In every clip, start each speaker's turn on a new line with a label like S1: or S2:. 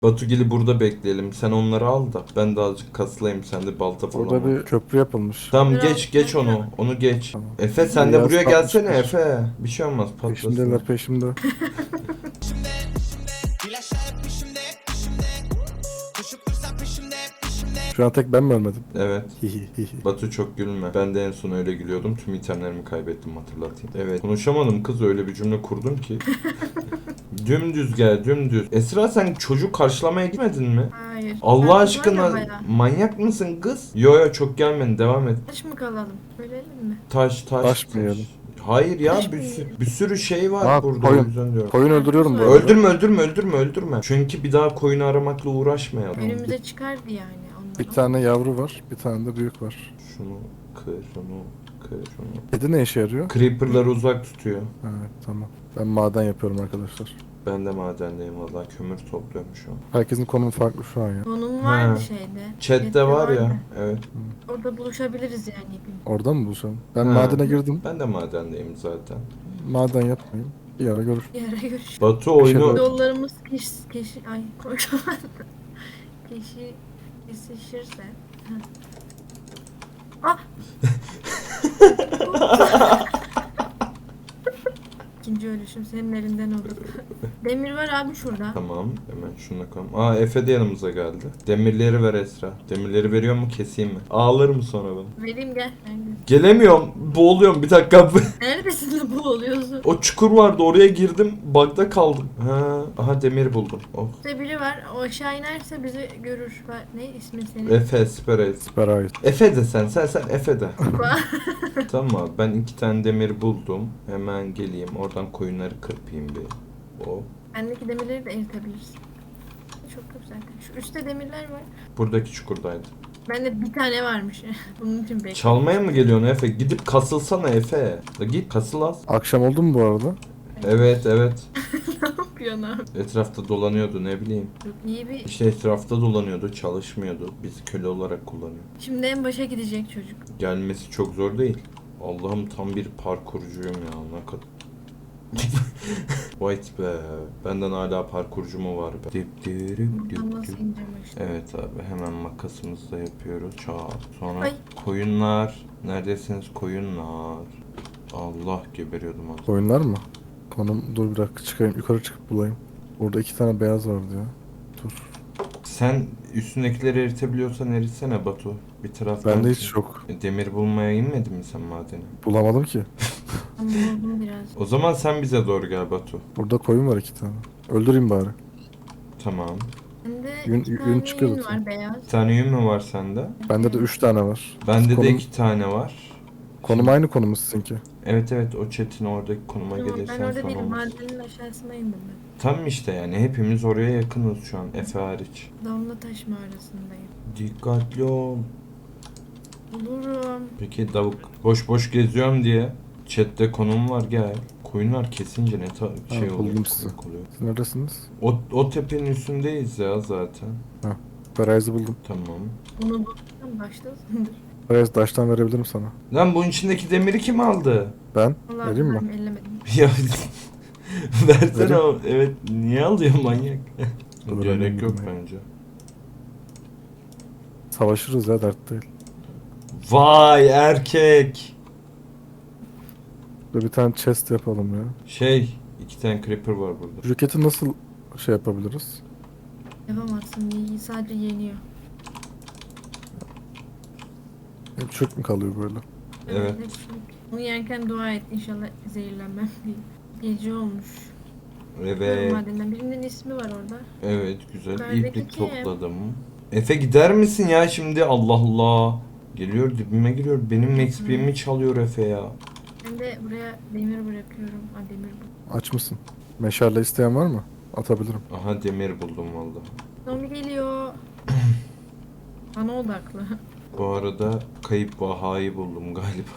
S1: Batugil'i burada bekleyelim. Sen onları al da ben de azıcık kasılayım. Sen de balta falan
S2: Orada
S1: al.
S2: bir köprü yapılmış.
S1: Tamam
S3: Biraz
S1: geç onu. Onu geç.
S2: Tamam.
S1: Efe sen de
S2: Beyaz
S1: buraya gelsene
S2: takmışlar.
S1: Efe. Bir şey olmaz patlasın.
S2: Peşimdeler peşimde. Şu an tek ben mi ölmedim?
S1: Evet.
S2: Hihi hihi.
S1: Batu çok gülme. Ben de en son öyle gülüyordum. Tüm itemlerimi kaybettim hatırlatayım. Evet. Konuşamadım kız öyle bir cümle kurdum ki. Dümdüz gel dümdüz. Esra sen çocuk karşılamaya gitmedin mi?
S3: Hayır.
S1: Allah
S3: Ben var ya
S1: aşkına
S3: bayağı.
S1: manyak mısın kız? Yo çok gelmedin devam et.
S3: Taş mı kalalım? Bölelim mi?
S1: Taş.
S2: Taş mı yiyelim?
S1: Hayır ya
S3: Taş
S1: bir
S3: mı
S1: sürü,
S3: yiyelim?
S1: bir sürü şey var
S2: Aa,
S1: burada
S2: koyun.
S1: o yüzden diyorum.
S2: Koyun öldürüyorum bu arada.
S1: Öldürme. Çünkü bir daha koyunu aramakla uğraşmayalım.
S3: Önümüze çıkardı yani onlar.
S2: Bir tane yavru var, bir tane de büyük var.
S1: Şunu kır.
S2: Kedi ne işe yarıyor?
S1: Creeper'ları uzak tutuyor.
S2: Evet tamam. Ben maden yapıyorum arkadaşlar.
S1: Ben de madendeyim valla kömür topluyorum şu an.
S2: Herkesin konumu farklı şu an ya.
S3: Konum vardı
S1: Ha.
S3: şeyde.
S1: Chat'te var
S3: vardı.
S1: ya. Evet.
S3: Orada buluşabiliriz yani.
S2: Orada mı buluşalım? Ben
S1: Ha.
S2: madene girdim.
S1: Ben de madendeyim zaten.
S2: Maden yapmayayım. Bir ara görür.
S3: Bir ara görüşürüz.
S1: Batu oyunu
S3: Yollarımız ay konuşamadım. Kesişirse. Ah! İkinci ölüşüm senin elinden olur. Demir var abi şurada.
S1: Tamam hemen şuna koyalım. Aa Efe de yanımıza geldi. Demirleri ver Esra. Demirleri veriyor mu keseyim mi? Ağlar mı sonra bana?
S3: Vereyim gel. Neredesin?
S1: Gelemiyorum. Boğuluyorum bir dakika.
S3: Neredesin de bu oluyorsun?
S1: O çukur vardı oraya girdim. Bug'da kaldım. Ha, aha demir buldum. Oh.
S3: Burada biri var. O aşağı inerse bizi görür. Ne ismi senin?
S1: Efe Speres.
S2: Süper ait.
S1: Efe de sen Efe de. Tamam abi, ben 2 tane demir buldum. Hemen geleyim oradan koyunları kırpayım bir. Oh.
S3: Bendeki demirleri de eritebilirsin. Çok güzel. Şu üstte demirler var.
S1: Buradaki çukurdaydı.
S3: Bende bir tane varmış. Bunun için bekliyorum.
S1: Çalmaya mı geliyorsun Efe? Gidip kasılsana Efe. Da git kasıl az.
S2: Akşam oldu mu bu arada?
S1: Evet.
S3: Ne yapıyorsun abi?
S1: Etrafta dolanıyordu ne bileyim.
S3: Çok iyi bir...
S1: İşte etrafta dolanıyordu çalışmıyordu. Biz köle olarak kullanıyor.
S3: Şimdi en başa gidecek çocuk.
S1: Gelmesi çok zor değil. Allah'ım tam bir parkurcuyum ya. Ne kadar... White be. Benden hala parkurcu mu var be?
S3: Buradan nasıl ineceğim işte.
S1: Evet abi hemen makasımızla yapıyoruz. Çat. Sonra
S3: Ay.
S1: koyunlar. Neredesiniz koyunlar? Allah geberiyordum az.
S2: Koyunlar mı? Konum dur bir dakika çıkayım. Yukarı çıkıp bulayım. Burada 2 tane beyaz vardı ya. Dur.
S1: Sen üstündekileri eritebiliyorsan eritsene Batu. Bir taraftan.
S2: Bende hiç yok.
S1: Demir bulmaya inmedin mi sen madene?
S2: Bulamadım ki.
S3: Ama buldum biraz.
S1: O zaman sen bize doğru gel Batu.
S2: Burada koyun var 2 tane. Öldüreyim bari.
S1: Tamam.
S3: Bende
S2: Yün-
S3: iki
S2: yün
S3: tane
S2: çıkıyor
S3: yün
S2: zaten.
S3: var beyaz.
S1: Bir tane yün mü var sende?
S2: Bende de 3 tane var.
S1: Bende de
S2: Konum-
S1: 2 tane var.
S2: Konum aynı konumuz sizinki.
S1: Evet o chat'in oradaki konuma
S3: Tamam, ben
S1: gelirsen
S3: orada
S1: son
S3: değilim.
S1: olmaz.
S3: Madenin aşağısına indim ben.
S1: Tam işte yani hepimiz oraya yakınız şu an Efe hariç.
S3: Damla taş mağarasındayım.
S1: Dikkatli ol.
S3: Bulurum.
S1: Peki davuk boş geziyorum diye chatte konum var gel. Koyunlar kesince ne şey
S2: Ha,
S1: oluyor.
S2: buldum sizi.
S1: komik oluyor.
S2: Siz neredesiniz?
S1: O tepenin üstündeyiz ya zaten.
S2: Ferayiz'i buldum.
S1: Tamam.
S3: Bunu bulursan başlasındır.
S2: Ferayiz taştan verebilirim sana.
S1: Lan bunun içindeki demiri kim aldı?
S2: Ben?
S3: Vallahi
S2: Vereyim mi?
S3: ben ellemedim.
S1: Ya versene
S2: Vereyim.
S1: o. Evet niye alıyor manyak?
S2: Dur,
S1: Gerek
S2: vereyim
S1: yok
S2: ya.
S1: bence.
S2: Savaşırız ya dert değil.
S1: Vay erkek.
S2: Burada bir tane chest yapalım ya.
S1: Şey 2 tane creeper var burada.
S2: Roketi nasıl şey yapabiliriz?
S3: Yapamazsın. Sadece yeniyor.
S2: Hep çöp mü kalıyor böyle?
S1: Evet.
S3: hepsi. Bunu yerken dua et. İnşallah zehirlenmem diye. Gece olmuş.
S1: Evet.
S3: Madenden birinin ismi var orada.
S1: Evet güzel.
S3: Yukarıdaki
S1: İplik
S3: kim?
S1: topladım. Efe gider misin ya şimdi? Allah Allah. Geliyor dibime giriyor. Benim XP'mi çalıyor Efe ya.
S3: Ben de buraya demir bırakıyorum. Ha demir bu.
S2: Aç mısın? Meşale isteyen var mı? Atabilirim.
S1: Aha demir buldum valla.
S3: Zombi geliyor. Bana odaklı.
S1: Bu arada kayıp vahayı buldum galiba.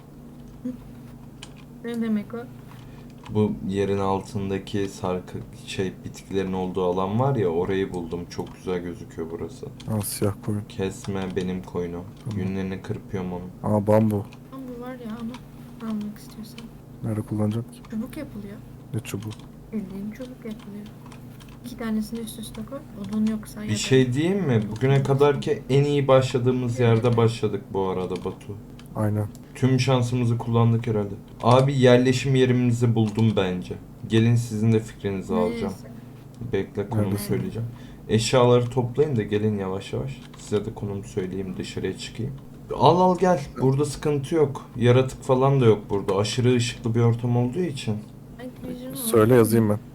S3: Ne demek o?
S1: Bu yerin altındaki sarkı bitkilerin olduğu alan var ya orayı buldum. Çok güzel gözüküyor burası.
S2: Al siyah koyun.
S1: Kesme benim koyunu.
S2: Tamam.
S1: Yünlerini kırpıyorum onu.
S2: Aa bambu.
S3: Ama bu var ya ama almak istiyorsan.
S2: Nerede kullanacağım ki?
S3: Çubuk yapılıyor.
S2: Ne çubuğu?
S3: Bildiğin çubuk yapılıyor. 2 tanesini üst üste koy. Odun yoksa
S1: Bir
S3: ya da-
S1: şey diyeyim mi? Bugüne kadarki en iyi başladığımız yerde başladık bu arada Batu.
S2: Aynen.
S1: Tüm şansımızı kullandık herhalde. Abi yerleşim yerimizi buldum bence. Gelin sizin de fikrinizi alacağım.
S3: Neyse.
S1: Bekle konumu
S2: Neredesin?
S1: söyleyeceğim. Eşyaları toplayın da gelin yavaş yavaş. Size de konumu söyleyeyim, dışarıya çıkayım. Al gel. Burada sıkıntı yok. Yaratık falan da yok burada. Aşırı ışıklı bir ortam olduğu için.
S3: Night Vision var.
S2: Söyle yazayım ben.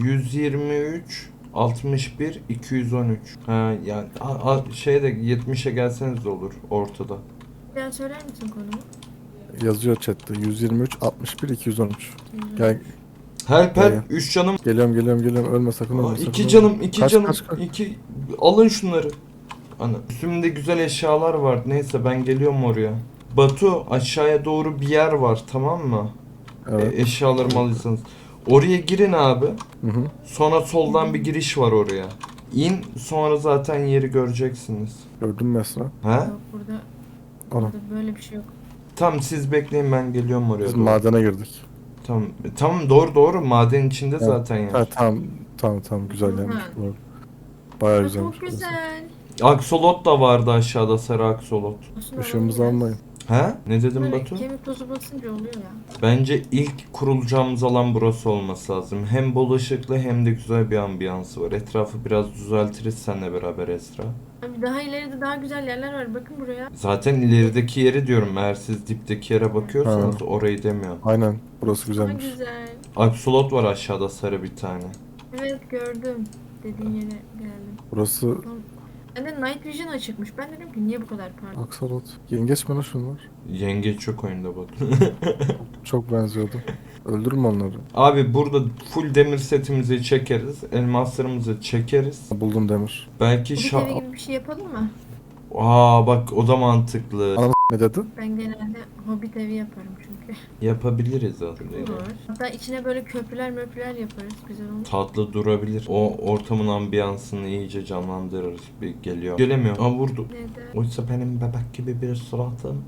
S1: 123 61 213. Ha yani şeyde 70'e gelseniz de olur ortada.
S3: Bir daha söyler misin konumu?
S2: Yazıyor chatte. 123 61 213. Gel,
S1: Help
S2: Gel,
S1: help 3 canım.
S2: geliyorum. Ölme sakın ölme. sakın
S1: 2
S2: ölme.
S1: canım 2
S2: Kaç,
S1: canım.
S2: kaç, kaç.
S1: 2 alın şunları. Ana üstümde güzel eşyalar var. Neyse ben geliyorum oraya. Batu aşağıya doğru bir yer var tamam mı?
S2: Evet.
S1: Eşyalarımı alırsanız. Oraya girin abi.
S2: Hı hı.
S1: Sonra soldan bir giriş var oraya. İn sonra zaten yeri göreceksiniz.
S2: Gördün mü Esra?
S1: He?
S3: Yok burada,
S2: Ana.
S3: burada böyle bir şey yok.
S1: Tamam siz bekleyin ben geliyorum oraya.
S2: Biz
S1: doğru.
S2: madene girdik.
S1: Tamam. Tamam doğru maden içinde
S2: Evet.
S1: zaten yer.
S2: Ha, tamam güzel
S3: Hı.
S2: yermiş. Doğru. Bayağı
S3: Aa,
S2: güzelmiş.
S3: çok güzel.
S1: Aksolot da vardı aşağıda sarı aksolot.
S3: Olsun,
S2: Işığımızı
S3: alalım
S2: almayın.
S1: He? Ne dedim
S3: Böyle
S1: Batu?
S3: kemik tozu basınca oluyor ya.
S1: Bence ilk kurulacağımız alan burası olması lazım. Hem bol ışıklı hem de güzel bir ambiyansı var. Etrafı biraz düzeltiriz seninle beraber Esra.
S3: Abi daha ileride daha güzel yerler var. Bakın buraya.
S1: Zaten ilerideki yeri diyorum. Eğer siz dipteki yere bakıyorsanız orayı demiyorum.
S2: Aynen. Burası
S3: Daha
S2: güzelmiş.
S3: güzel.
S1: Aksolot var aşağıda sarı bir tane.
S3: Evet gördüm. Dediğin yere geldim.
S2: Burası
S3: Ben de Night Vision açıkmış. Ben dedim ki niye bu kadar parlak?
S2: Aksalot. Yengeç mi lan şunlar?
S1: Yengeç çok oyunda Batu.
S2: Çok benziyordu. Öldürme onları.
S1: Abi burada full demir setimizi çekeriz. Elmaslarımızı çekeriz.
S2: Buldum demir.
S1: Belki
S3: Bu bir evi gibi bir şey yapalım mı?
S1: Aa bak o da mantıklı.
S2: Ana ne dedi?
S3: Ben genelde Hobbit evi yaparım çünkü.
S1: Yapabiliriz aslında.
S3: Olur. Hatta içine böyle köprüler yaparız. Güzel olur.
S1: Tatlı durabilir. O ortamın ambiyansını iyice canlandırırız. Bir geliyor. Gelemiyor. Aa vurdu.
S3: Neden?
S1: Oysa benim bebek gibi bir suratım.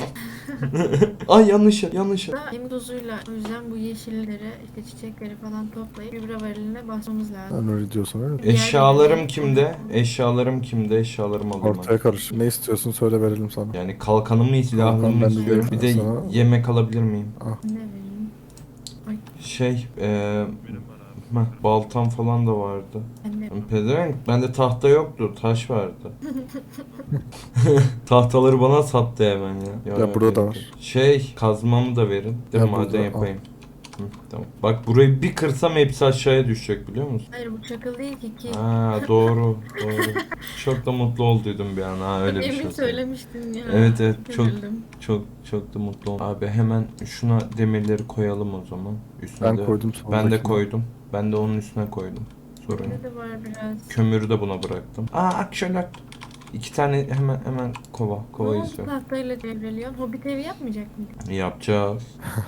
S1: Ay yanlış yer.
S3: Da kemik tozuyla o yüzden bu yeşilleri, işte çiçekleri falan toplayıp gübre variline basmamız lazım.
S2: Ben öyle diyorsun öyle mi?
S1: Eşyalarım kimde? Eşyalarım kimde? Eşyalarımı alayım.
S2: Ortaya karış. Ne istiyorsun söyle verelim sana.
S1: Yani kalkanımı, silahımı
S2: Kalkan ben de
S1: istiyorum. Bir de
S2: sana-
S1: yemek alabilir miyim?
S3: Ne vereyim?
S1: Şey, baltam falan da vardı.
S3: Ben de.
S1: Pezevenk, bende tahta yoktu, taş vardı. Tahtaları bana sattı hemen ya.
S2: Ya burada da
S1: gerek
S2: var.
S1: yok. Şey, kazmamı da verin. De
S2: Ya
S1: maden
S2: burada, al.
S1: yapayım. Hı, tamam. Bak burayı bir kırsam hepsi aşağıya düşecek biliyor musun?
S3: Hayır bu çakıl değil ki.
S1: Ha doğru. Çok da mutlu olduydum bir an ha öyle bir şey.
S3: Emin
S1: oldu.
S3: söylemiştin ya.
S1: Evet çok
S3: Üzüldüm.
S1: çok da mutlu oldum. Abi hemen şuna demirleri koyalım o zaman. Üstüne
S2: Ben
S1: de-
S2: koydum
S1: Ben de
S2: sondakine.
S1: koydum. Ben de onun üstüne koydum. Sorun yok.
S3: Ne de var biraz.
S1: Kömürü de buna bıraktım. Aa akşeler. 2 tane hemen kova
S3: Ne oldu
S1: istiyorum.
S3: tahtayla devreliyorsun? Hobbit evi yapmayacak mıydın?
S1: Yapacağız.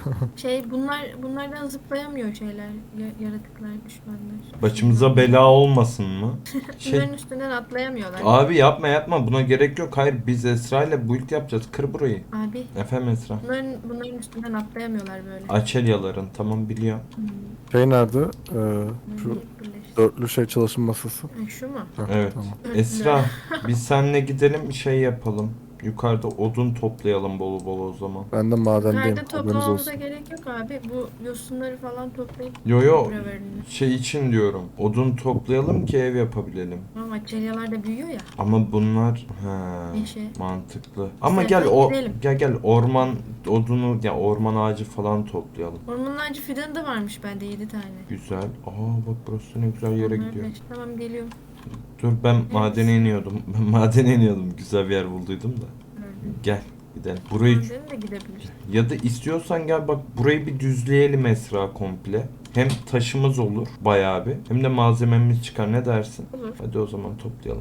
S3: Bunlardan zıplayamıyor yaratıklar, düşmanlar.
S1: Başımıza bela olmasın mı?
S3: Bunların üstünden atlayamıyorlar.
S1: Abi yapma buna gerek yok. Hayır biz Esra ile build yapacağız. Kır burayı.
S3: Abi
S1: Efendim Esra.
S3: bunların üstünden atlayamıyorlar böyle.
S1: Açelyaların tamam biliyorum.
S2: Şey nerede? Şu
S3: Birleştir.
S2: dörtlü şey çalışma masası.
S3: Ha, şu mu?
S2: Heh,
S1: Evet.
S2: Tamam.
S1: Esra biz seninle gidelim şey yapalım. Yukarıda odun toplayalım bol bol o zaman.
S2: Ben de madendeyim.
S3: Nerede
S2: Haberiniz
S3: toplamamıza
S2: olsun.
S3: gerek yok abi. Bu yosunları falan toplayıp
S1: Yo
S3: gübre verelim.
S1: şey için diyorum. Odun toplayalım ki ev yapabilelim.
S3: Ama açelyalar da büyüyor ya.
S1: Ama bunlar ha
S3: Yeşil.
S1: mantıklı. Ama
S3: İstersen
S1: gel
S3: gidelim.
S1: gel orman odunu ya orman ağacı falan toplayalım.
S3: Ormanın ağacı fidanı da varmış bende 7 tane.
S1: Güzel. Aa bak burası ne güzel yere
S3: Onlar
S1: gidiyor.
S3: beş. Tamam geliyorum.
S1: Dur ben madene iniyordum. Ben madene iniyordum. Güzel bir yer bulduydum da.
S3: Gördüm.
S1: Gel gidelim. Burayı
S3: Madene de gidebiliriz.
S1: ya da istiyorsan gel bak burayı bir düzleyelim Esra komple. Hem taşımız olur bayağı bir. Hem de malzememiz çıkar ne dersin?
S3: Olur.
S1: Hadi o zaman toplayalım.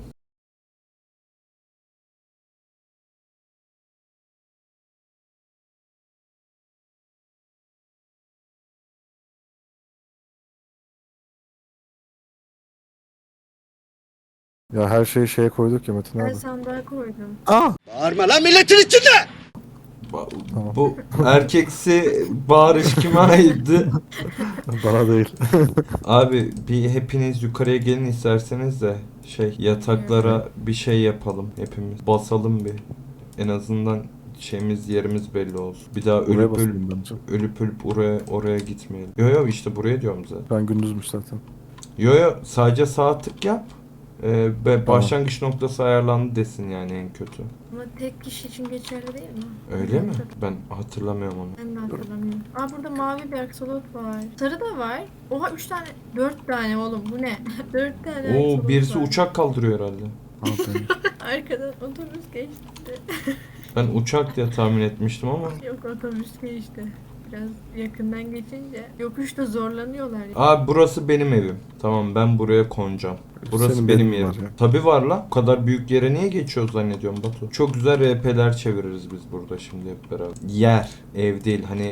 S2: Ya her şeyi şeye koyduk ya Metin
S3: Ben
S2: abi.
S3: sandığa koydum.
S2: Aa!
S4: Bağırma lan milletin içinde!
S2: Tamam.
S1: Bu erkeksi bağırış kime aitti?
S2: Bana değil.
S1: Abi bir hepiniz yukarıya gelin isterseniz de yataklara bir şey yapalım hepimiz. Basalım bir. En azından yerimiz belli olsun. Bir daha
S2: Buraya
S1: ölüp
S2: basayım bence.
S1: ölüp oraya gitmeyelim. Yo işte buraya diyorum zaten.
S2: Ben gündüzmüş zaten.
S1: Yo sadece sağ tık yap. Ve
S2: Tamam.
S1: başlangıç noktası ayarlandı desin yani en kötü.
S3: Ama tek kişi için geçerli değil mi?
S1: Öyle mi? Ben hatırlamıyorum onu.
S3: Ben de hatırlamıyorum. Aa burada mavi bir aksolot var. Sarı da var. Oha 3 tane, 4 tane oğlum bu ne? 4 tane aksolot
S1: Oo birisi
S3: var.
S1: uçak kaldırıyor herhalde.
S2: Aferin.
S3: Arkadan otobüs geçti.
S1: Ben uçak diye tahmin etmiştim ama.
S3: Yok otobüs geçti. Biraz yakından geçince yokuşta zorlanıyorlar.
S1: Abi burası benim evim. Tamam ben buraya konacağım. Burası
S2: Senin
S1: benim
S2: benim
S1: yerim.
S2: var ya.
S1: Tabi var la. Bu kadar büyük yere niye geçiyoruz zannediyorum Batu. Çok güzel RP'ler çeviririz biz burada şimdi hep beraber. Yer, ev değil. Hani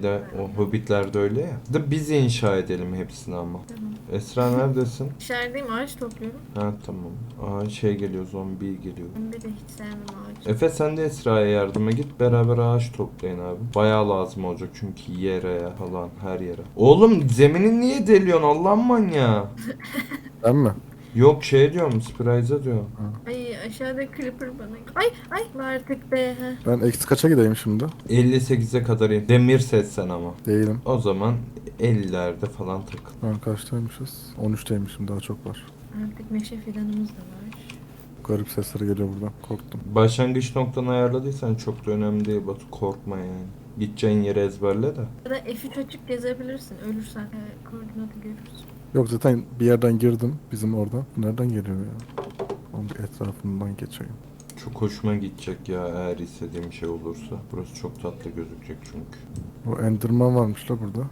S1: o Hobbit'lerde öyle ya. Da biz inşa edelim hepsini ama.
S3: Tamam.
S1: Esra neredesin?
S3: Dışarıdayım ağaç topluyorum.
S1: Ha tamam. Geliyor, zombi geliyor.
S3: Ben de hiç sevmem ağaç.
S1: Efe sen de Esra'ya yardıma git, beraber ağaç toplayın abi. Bayağı lazım olacak çünkü yere falan her yere. Oğlum zemini niye deliyorsun Allah'ın manyağı?
S2: Ben mi?
S1: Yok diyorum, Spryze'a diyorum.
S3: Ay aşağıda creeper bana. Ay artık be. Heh.
S2: Ben eksi kaça gideyim şimdi?
S1: 58'e kadar in. Demir setsen ama.
S2: Değilim.
S1: O zaman 50'lerde falan takıl.
S2: Ben kaçtaymışız? 13'teymişim, daha çok var.
S3: Artık meşe fidanımız da var.
S2: Garip sesleri geliyor buradan. Korktum.
S1: Başlangıç noktanı ayarladıysan çok da önemli değil Batu, korkma yani. Gideceğin yeri ezberle de.
S3: Ya da F3 açıp gezebilirsin. Ölürsen koordinatı görürsün.
S2: Yok zaten bir yerden girdim bizim oradan. Nereden geliyor ya? Onun bir etrafından geçeyim.
S1: Çok hoşuma gidecek ya eğer istediğim şey olursa. Burası çok tatlı gözükecek çünkü.
S2: O Enderman varmış la burada.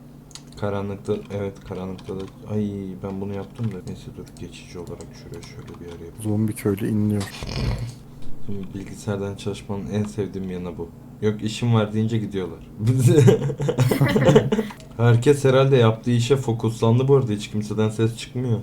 S1: Karanlıkta da ay ben bunu yaptım da neyse dur geçici olarak şuraya şöyle bir yer yapayım.
S2: Zombi köylü inliyor.
S1: Şimdi bilgisayardan çalışmanın en sevdiğim yanı bu. Yok işim var deyince gidiyorlar. Herkes herhalde yaptığı işe fokuslandı bu arada, hiç kimseden ses çıkmıyor.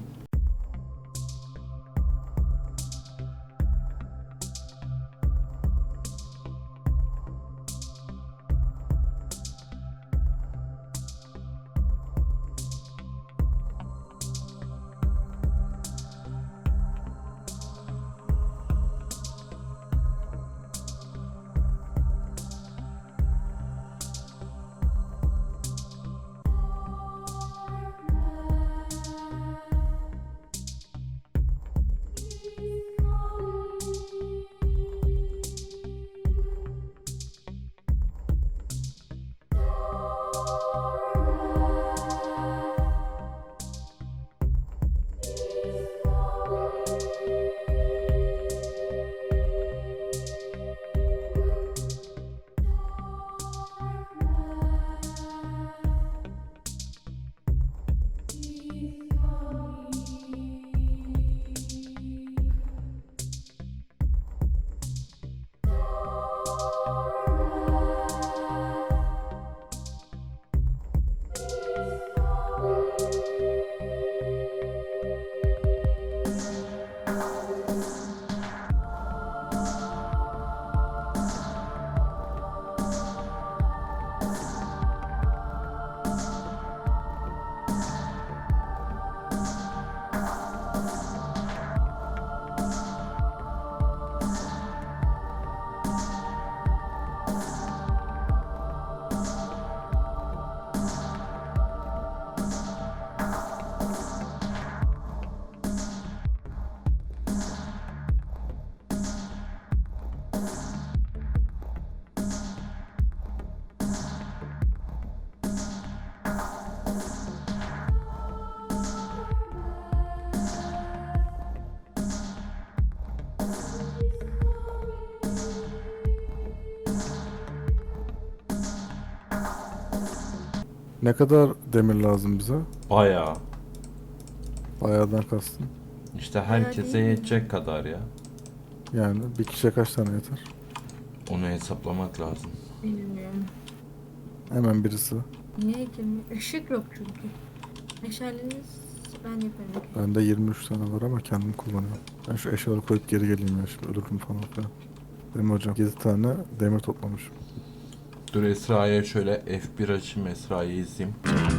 S2: Ne kadar demir lazım bize?
S1: Bayağı.
S2: Bayağıdan kastım.
S1: İşte herkese
S3: değil mi?
S1: yetecek kadar ya.
S2: Yani bir kişiye kaç tane yeter?
S1: Onu hesaplamak lazım.
S3: Bilmiyorum.
S2: Hemen birisi.
S3: Niye ki? Işık yok çünkü. Meşaleniz ben yaparım.
S2: Bende 23 tane var ama kendim kullanıyorum. Ben şu eşyaları koyup geri geleyim ya, şimdi ölürüm falan filan. Değil mi hocam? 7 tane demir toplamışım.
S1: Dur Esra'ya şöyle F1 açayım, Esra'yı izleyeyim.